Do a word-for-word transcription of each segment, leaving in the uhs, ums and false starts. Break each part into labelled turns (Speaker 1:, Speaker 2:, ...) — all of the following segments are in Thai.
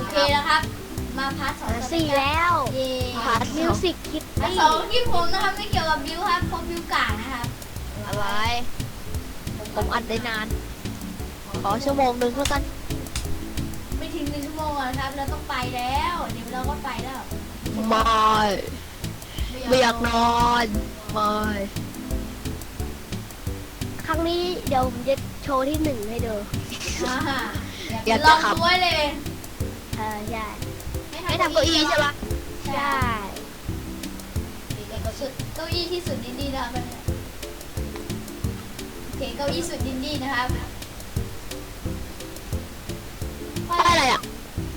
Speaker 1: เคแล้วครับมาพาร์ทสอง
Speaker 2: สี่แล้ว
Speaker 1: เย่
Speaker 2: พาร์ทมิวสิกคิด
Speaker 1: พาร์ทสองที่ผมนะครับไม่เกี่ยวกับบิวครับเพราะบิวกากนะครับ
Speaker 2: อะไร ผมอัดได้นาน ขอชั่วโมงหนึ่งแล้วกัน
Speaker 1: ไม่ถึงหนึ่งชั่วโมงนะครับเราต้องไปแล้วเดี๋ยวเราก็ไปแล้ว
Speaker 2: ไม่ไม่อยากนอนไม่ครั้งนี้เดี๋ยวผมจะโชว์ที่หนึ่งให้ดู
Speaker 1: อ่า
Speaker 2: อยาก
Speaker 1: ล
Speaker 2: จะ
Speaker 1: อง
Speaker 2: ขับ
Speaker 1: ด้วยเลย
Speaker 2: เออใช่ไม่ทำเก้าอี้ใช่ปะ
Speaker 1: ใช่
Speaker 2: ใช่
Speaker 1: เก้าอี้สุดเก้าอี้ที่สุดดินดี้นะครับโอเคเก้าอี้สุดดินดี้นะครับ
Speaker 2: ป้ายอะไรอ่ะ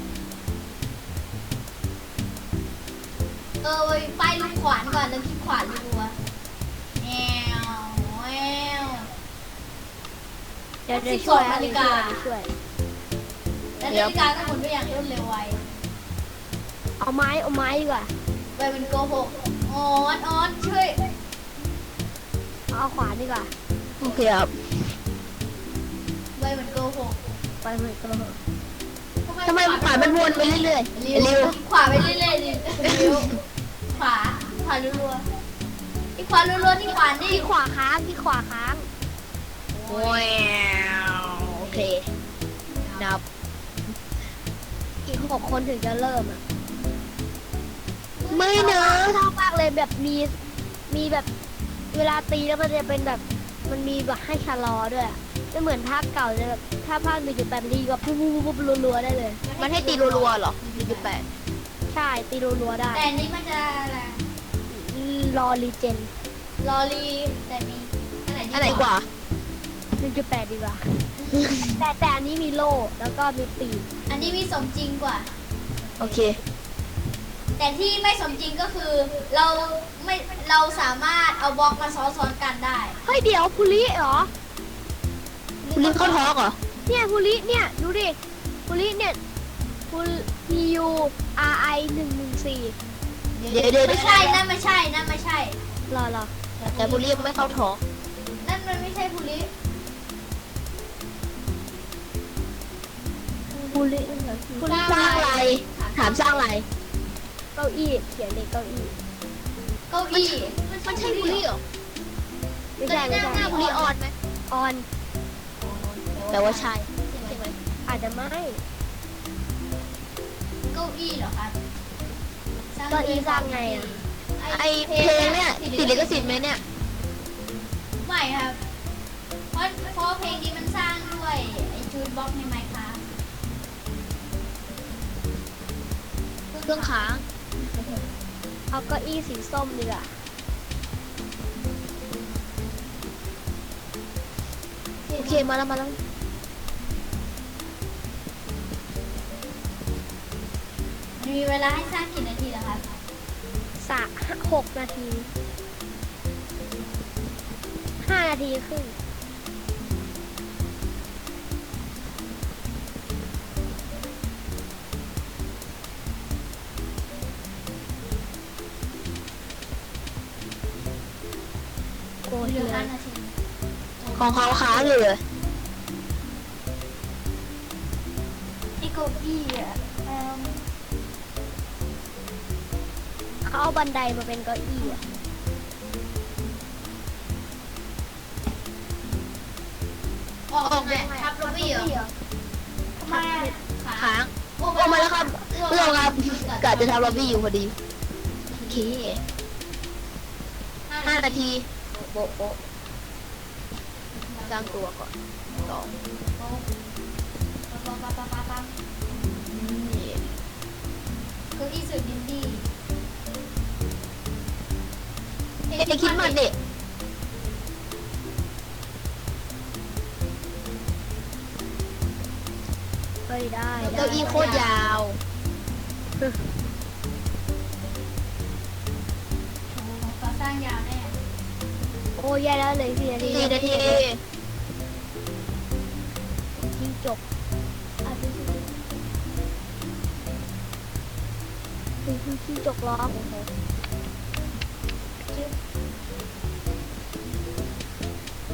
Speaker 1: เออไว้ป้ายลูกขวานก่อนแล้วคลิกขวานรัวๆแอวแอว
Speaker 2: เดี๋ยวเดี๋ยวช่วย
Speaker 1: นาฬิกา
Speaker 2: ช่วย
Speaker 1: แล้วนาฬิกาก็หมุนไปอย่างรวดเร็วไว
Speaker 2: เอาไม้เอาไม้ดีกว่า
Speaker 1: ไวมันโกหกออนออนช่วย
Speaker 2: เอาขวานดีกว่าโอเคครับ
Speaker 1: ไวมันโกหก
Speaker 2: ไปเหมือนกันเลยทำไมขวานมันวนไปเรื่อยๆ
Speaker 1: เร็วขวาไปเรื่อยๆดิเร็วขวาขวารัวๆที่ขวารัวๆที่ขวานี่
Speaker 2: ที่ขวาค้างที่ขวาค้างว้าวโอเคนับอีกหกคนถึงจะเริ่มอ่ะไม่เนอะชอบมากเลยแบบมีมีแบบเวลาตีแล้วมันจะเป็นแบบมันมีแบบให้ชะลอด้วยอะไม่เหมือนภาคเก่าจะแบบถ้าภาคหนึ่งจุดแปดตีก็ปุ๊บปุ๊บปุ๊บรัวๆได้เลย
Speaker 3: มันให้ตีรัวๆเหรอหนึ่งจุดแปด
Speaker 2: ใช่ตีรัวๆได้
Speaker 1: แต่อันนี้มันจะอะไร
Speaker 2: รอรีเจน
Speaker 1: ลอรีแต่มีอันไหน
Speaker 3: อันไหนกว่า
Speaker 2: หนึ่งจุดแปดดีกว่า แต่แต่อันนี้มีโล่แล้วก็มีปีก
Speaker 1: อันนี้มีสมจริงกว่า
Speaker 3: โอเค
Speaker 1: แต่ที่ไม่สมจริงก็คือเราไม่เราสามารถเอาบล็อกมาซ้อนๆกันได้
Speaker 2: เฮ้ยเดี๋ยวภูริเหรอ
Speaker 3: คุณลิงเข้าท้องเหรอ
Speaker 2: เนี่ยภูริเนี่ยดูดิภูริเนี่ยภูพี ยู อาร์ ไอ หนึ่งหนึ่งสี่
Speaker 3: เดี๋ยวเดี๋ยว
Speaker 1: ไม่ใช่นั่นไม่ใช่นั่นไม่ใช่
Speaker 2: รอรอ
Speaker 3: แต่คุณลิงไม่เข้าท้อง
Speaker 1: นั่นมันไม่ใช่ภูริ
Speaker 2: ภูริภูริ
Speaker 3: สร้างอะไร ถามสร้างอะไร
Speaker 2: เก้าอี้เขียนเลยเก้าอี้
Speaker 1: เก้าอี้
Speaker 3: มันใช่บุรีเหรอ
Speaker 2: ไม่ใช่ไม่ใช่
Speaker 3: หน้าบุรีออนไหม
Speaker 2: ออน
Speaker 3: แปลว่าใช่ใช่ไหม
Speaker 2: อาจจะไม่
Speaker 1: เก้าอี้เหรอครับ
Speaker 2: เก้าอี้สร้างไงอ่ะ
Speaker 3: ไอเพลงเนี่ยติดลิขสิทธิ์ไหมเนี่ย
Speaker 1: ไม่ครับ เพราะเพราะเพลงนี้มันสร้างด้วยไอจูดบล็อกในไมค์ครับ
Speaker 3: เครื่องค้าง
Speaker 2: เอาเก้าอี้สีส้มดีกว่า
Speaker 3: โอเคมาแล้วมาแล้ว
Speaker 1: มีเวลาให้สร้างกี่นาทีแล้วครับ
Speaker 2: สะหกนาทีห้านาทีครึ่งโอ้ย
Speaker 1: เหลือ
Speaker 2: เล
Speaker 1: ห้าย นาที
Speaker 3: ของเขาค้างอยู่เลย
Speaker 1: ไอเก้าอี้อ่ะเอิ่ม
Speaker 2: เขาเอาบันไดมาเป็นเก้าอี้อะ
Speaker 1: ออกแบบทับล็อบบี้เหรอทำไมอะ
Speaker 3: ค้างโอ้มาแล้วครับเพื่อนครับกะจะทำล็อบบี้อยู่พอดี โอเคห้านาทีโบ๊ะโบ๊ะสร้างตัวก่อนสอง
Speaker 1: ปั๊บปั๊บปั๊บปั๊บปั๊บ
Speaker 3: นี่
Speaker 1: เก้าอี้สุดดินดี้
Speaker 3: เอ้ยคิดมาเด็ก
Speaker 2: เฮ้ยได้ได้
Speaker 3: เก้าอี้โคตรยาว
Speaker 1: โอ้โหก่อสร้างยาวแน่
Speaker 2: โอ้ยแย่แล้วเลยสี่นาที
Speaker 3: สี่นาที
Speaker 2: จิ้งจก
Speaker 1: อ่ะดูสิ
Speaker 2: คือจิ้งจกร้อง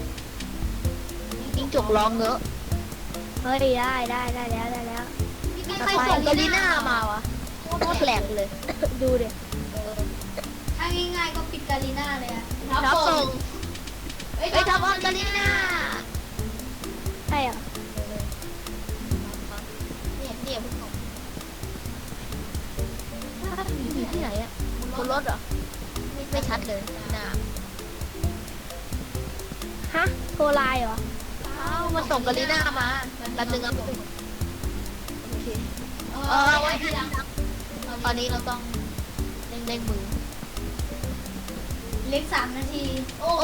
Speaker 3: จิ้งจกร้องเงอะ
Speaker 2: เฮ้ยได้ได้ได้แล้วได้แล้ว
Speaker 1: พี่พี่
Speaker 3: ใครส่งกาลิน่ามาวะโคตรแปลกเลย
Speaker 2: ดูดิ
Speaker 1: ถ้าง่ายๆก็ปิดกาลิน่าเลยอะ
Speaker 3: รับส่งไปทำออนกาลิน่า
Speaker 2: ใช่เหรอ
Speaker 3: เนี่ยเนี่ยพวกเขาอยู่ที่ไหนอะบนรถเหรอไม่ชัดเลยหน้า
Speaker 2: ฮะโทรไลน์เหรอ
Speaker 3: อ้าวมาส่งกาลิน่ามาแป๊บนึงครับโอเคเออไว้ทีหลังตอนนี้เราต้องเร่งเร่งมือ
Speaker 1: เล็กสามนาที โอ้
Speaker 3: โอ้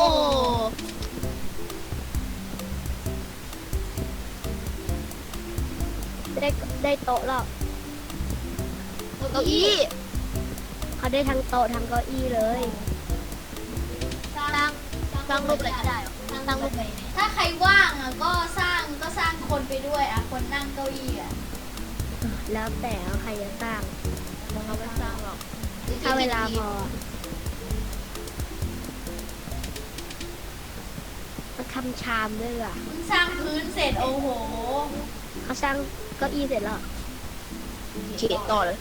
Speaker 2: ได้ได้โต๊ะแล้ว
Speaker 3: เก้าอี้
Speaker 2: เขาได้ทั้งโต๊ะทั้งเก้าอี้เลย
Speaker 1: สร้าง
Speaker 3: ตั้งตั้งรูปอะไรก็ได้เหรอตั้งรูปอะไร
Speaker 1: ถ้าใครว่างอ่ะก็สร้างก็สร้างคนไปด้วยอ่ะ คนนั่งเก้าอี้อ่ะ
Speaker 2: แล้วแต่ว่าใครจะสร้าง
Speaker 3: เราไม่สร้างหรอก
Speaker 2: ถ้าเวลาพอเขาทำชามด้วยว่ะ
Speaker 1: เพิ่งสร้างพื้นเสร็จโอ้โห
Speaker 2: เขาสร้างเก้าอี้เสร็จแล้ว
Speaker 3: เขียนต่อเลย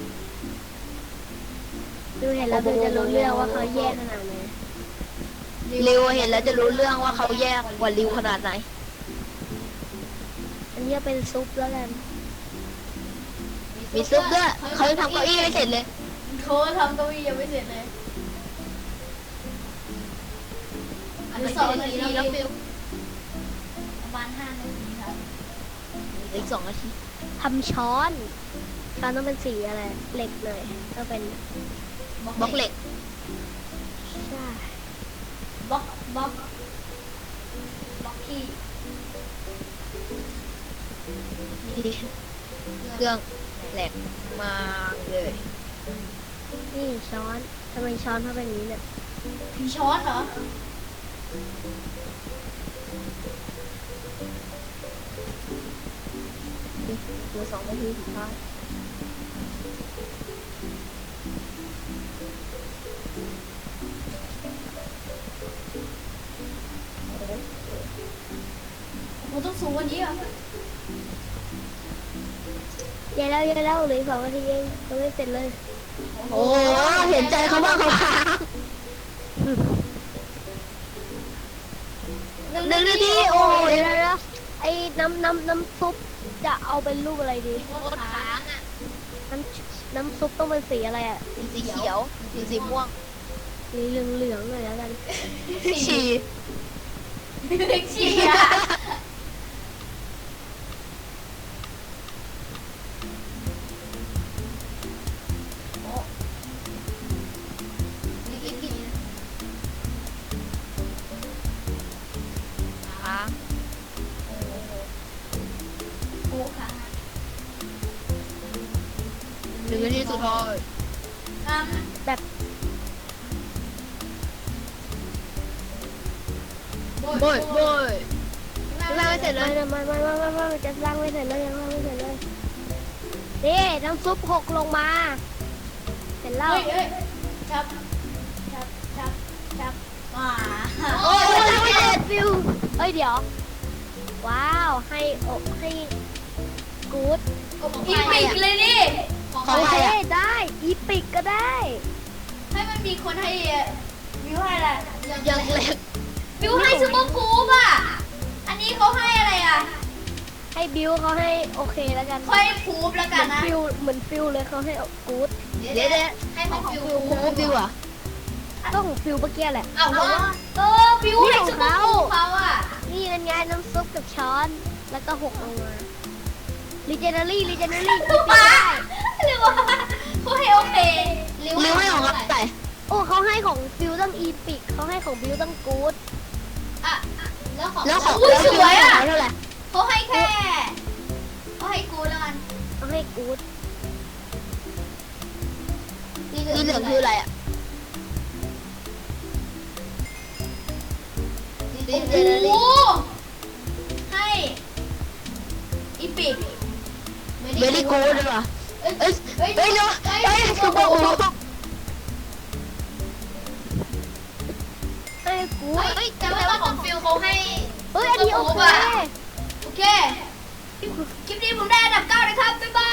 Speaker 2: ดูเห็นแล้วดูจะรู้เรื่องว่าเขาแย่ขนาดไหน
Speaker 3: ริวเห็นแล้วจะรู้เรื่องว่าเขาแยกกว่าริวขนาดไหน
Speaker 2: อันนี้เป็นซุปแล้วกัน
Speaker 3: มีซุปด้วยเขายังทำเก้าอี้ไม่เสร็จเลย
Speaker 1: เขาทำเก้าอี้ยังไม่เสร็จเลยอันนี้สองนาทีแล้วฟิวประมาณห้านาทีครับ
Speaker 3: อีกสองนาที
Speaker 2: ทำช้อนช้อนต้องเป็นสีอะไรเหล็กเลยก็เป็น
Speaker 3: บล็อกเหล็ก
Speaker 2: ใช่
Speaker 1: บล็อกบล็อกบล็อกกี้
Speaker 3: เครื่องแหลกมาเลย
Speaker 2: นี่ช้อนทำไมช้อนเขาเป็นอย่างนี้เนี่ย
Speaker 1: ผีช้อนเหรอ
Speaker 3: เหลือสองนาทีสุดท้าย
Speaker 1: ผมต้องสูงกว่านี้เหรอ
Speaker 2: เย้แล้วเย้แล้วเหลืออกสองนาทีเองยังไม่เสร็จเลย
Speaker 3: โอ้เห็นใจเขาบ้างเขาค้างหนึ่งนาทีโอ้
Speaker 2: โอ้
Speaker 3: ย
Speaker 2: ยเดี๋ยวเดี๋ยวไอ้น้ำน้ำน้ำซุปจะเอาเป็นรูปอะไรดี
Speaker 3: โคตรค้างอ่ะ
Speaker 2: น้ำน้ำซุปต้องเป็นสีอะไรอ่ะ
Speaker 3: สีเขียวสีสีม่วง
Speaker 2: สีเหลืองเหลืองๆหน่อยแล้วกัน
Speaker 3: ฉี่
Speaker 1: เล็กเชียร์
Speaker 3: ค้าง
Speaker 1: โอ้ค่ะ
Speaker 3: หนึ่งนาทีสุดท้าย
Speaker 1: อ่ะ
Speaker 2: แบบ
Speaker 3: โบยโบยล่างไม่เสร็จเล
Speaker 2: ไม่
Speaker 3: ย
Speaker 2: ไม่ไม่ไม่ไม่ไม่จะสร้างไม่เสร็จเลยยังสร้างไม่เสร็จเลยนี่น้ำซุปหกลงมาเสร็จแล้ว
Speaker 1: เฮ้ยเฮ้ยจับจับจับจับมา
Speaker 3: โอ้ยยังไม่เสร็จ
Speaker 2: ฟิวเอ้ยเดี๋ยว ว้าวให้อกให้กู๊ด
Speaker 1: อีปิกเลยดิ
Speaker 3: ของ
Speaker 2: โอ
Speaker 3: ใคร
Speaker 2: เค
Speaker 3: อ่ะ
Speaker 2: ได้อีปิกก็ได้
Speaker 1: ให้มันมีคนให้วิวให้อะไร
Speaker 3: ยังเล็ก
Speaker 1: วิวให้ซูเปอร์กู๊ปอ่ะ อันนี้เขาให้อะไรอ่ะ
Speaker 2: ให้บิวเขาให้โอเคแล้วกัน
Speaker 1: ค่อยพูบแล้ว
Speaker 2: เห
Speaker 1: กั
Speaker 2: มื
Speaker 1: น
Speaker 2: อน
Speaker 1: นะ
Speaker 2: ฟิวเหมือนฟิวเลยเขาให้กู๊ด
Speaker 3: เดี๋ยวเดี๋ยวให้ของฟิวของฟิวอ่ะ
Speaker 2: ก็ของฟิวเมื่อกี้แหละ
Speaker 1: เอาแล้วเออวิวให้ซูเปอร์กู๊ปเขาอ่ะ
Speaker 2: นี่เป็นไงน้ำซุปกับช้อนแล้วก็หกลงมาลีเจนเนอรี่ลีเจนเนอรี่
Speaker 1: คือป้าหรือว่าเขาให้โอเค
Speaker 3: ริวให้ของเขาใส่
Speaker 2: โอ้เขาให้ของฟิวต้องอีปิกเขาให้ของบิวต้องกู๊ด
Speaker 1: อ่ะแล้วของ
Speaker 3: แล้วของ
Speaker 1: อุ้ย
Speaker 3: แล้ว
Speaker 1: ส
Speaker 3: ฟิว
Speaker 1: วย
Speaker 3: ให้
Speaker 1: อ่ะ
Speaker 3: ของเท่าไหร่
Speaker 1: เขาให้แค่เขาให้กูแล้วกัน
Speaker 2: เขาให้กู๊ด
Speaker 3: สีเหลืองคืออะไรอ่ะสี
Speaker 1: โอ้
Speaker 3: เจ
Speaker 1: โห
Speaker 3: เนอรี่
Speaker 1: ให้อีปิก
Speaker 3: เวลี่กูดเลยว่ะเอ้ยเอ้ยเอ้ยเนาะเอ้ยคือบอกว่า
Speaker 2: ให้กู๊ด
Speaker 1: เฮ้ยจำได้ว่าของฟิลเขาให้
Speaker 2: เฮ้ยอันนี้โอเค
Speaker 1: โอเค คลิปนี้ผมได้อันดับเก้านะครับ บ๊ายบาย